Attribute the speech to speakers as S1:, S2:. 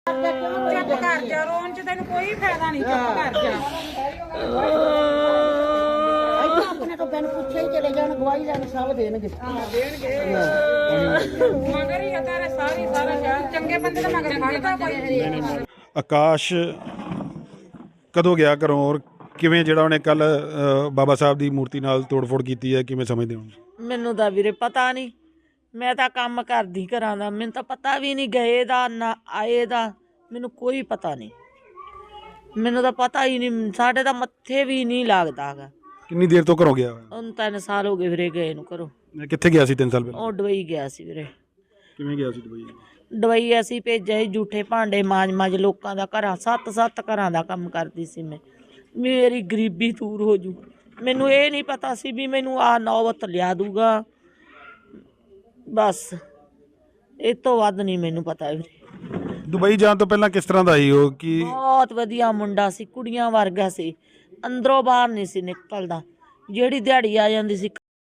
S1: ਚੁੱਪ ਕਰ ਜਾ, ਰੋਣ ਚ ਤੈਨੂੰ ਕੋਈ ਫਾਇਦਾ ਨਹੀਂ, ਚੁੱਪ ਕਰ ਜਾ।
S2: ਆਪਣੇ ਤੋਂ ਬਿਨ ਪੁੱਛੇ ਹੀ ਚਲੇ ਜਾਣ, ਗਵਾਹੀ ਲੈਣ ਸਭ ਦੇਣਗੇ।
S1: ਮਗਰ ਹੀ ਆ ਤੇਰੇ ਸਾਰਾ ਸ਼ਹਿਰ, ਚੰਗੇ ਬੰਦੇ ਦਾ ਮਗਰ ਖੜਦਾ ਕੋਈ।
S3: ਆਕਾਸ਼ ਕਦੋਂ ਗਿਆ ਘਰੋਂ ਔਰ ਕਿਵੇਂ ਜਿਹੜਾ ਉਹਨੇ ਕੱਲ ਬਾਬਾ ਸਾਹਿਬ ਦੀ ਮੂਰਤੀ ਨਾਲ ਤੋੜ-ਫੋੜ ਕੀਤੀ ਹੈ, ਕਿਵੇਂ ਸਮਝਦੇ ਹੋ?
S4: ਮੈਨੂੰ ਤਾਂ ਵੀਰੇ ਪਤਾ ਨਹੀਂ, ਮੈਂ ਤਾਂ ਕੰਮ ਕਰਦੀ ਘਰਾਂ ਦਾ, ਮੈਨੂੰ ਤਾਂ ਪਤਾ ਵੀ ਨਹੀਂ ਗਏ ਦਾ ਨਾ ਆਏ ਦਾ, ਮੈਨੂੰ ਕੋਈ ਪਤਾ ਨਹੀਂ, ਮੈਨੂੰ ਤਾਂ ਪਤਾ ਹੀ ਨਹੀਂ, ਸਾਡੇ ਤਾਂ ਮੱਥੇ ਵੀ ਨਹੀਂ ਲੱਗਦਾ ਹੈਗਾ।
S3: ਕਿੰਨੀ ਦੇਰ ਤੋਂ ਘਰੋਂ ਗਿਆ ਹੋਇਆ?
S4: ਹੁਣ 3 ਸਾਲ ਹੋ ਗਏ ਵੀਰੇ ਗਏ ਨੂੰ ਘਰੋਂ।
S3: ਕਿੱਥੇ ਗਿਆ ਸੀ 3 ਸਾਲ ਪਹਿਲਾਂ?
S4: ਉਹ ਦੁਬਈ ਗਿਆ ਸੀ ਵੀਰੇ।
S3: ਕਿਵੇਂ ਗਿਆ ਸੀ ਦੁਬਈ?
S4: ਦੁਬਈ ਅਸੀਂ ਭੇਜਿਆ ਸੀ, ਜੂਠੇ ਭਾਂਡੇ ਮਾਂਜ ਲੋਕਾਂ ਦਾ ਘਰਾਂ, 7 ਘਰਾਂ ਦਾ ਕੰਮ ਕਰਦੀ ਸੀ ਮੈਂ। ਮੇਰੀ ਗਰੀਬੀ ਦੂਰ ਹੋ ਜੂ, ਮੈਨੂੰ ਇਹ ਨਹੀਂ ਪਤਾ ਸੀ ਵੀ ਮੈਨੂੰ ਆਹ ਨੌਬਤ ਲਿਆ ਦੂਗਾ, ਬਸ ਇਹ ਤੋਂ ਵੱਧ ਨਹੀਂ ਮੈਨੂੰ ਪਤਾ ਵੀਰੇ।
S3: ਦੁਬਈ ਜਾਣ ਤੋਂ ਪਹਿਲਾਂ ਕਿਸ ਤਰ੍ਹਾਂ ਦਾ ਸੀ ਉਹ? ਕਿ
S4: ਬਹੁਤ ਵਧੀਆ ਮੁੰਡਾ ਸੀ, ਕੁੜੀਆਂ ਵਰਗਾ ਸੀ, ਅੰਦਰੋਂ ਬਾਹਰ ਨਹੀਂ ਸੀ ਨਿਕਲਦਾ, ਜਿਹੜੀ ਦਿਹਾੜੀ ਆ ਜਾਂਦੀ ਸੀ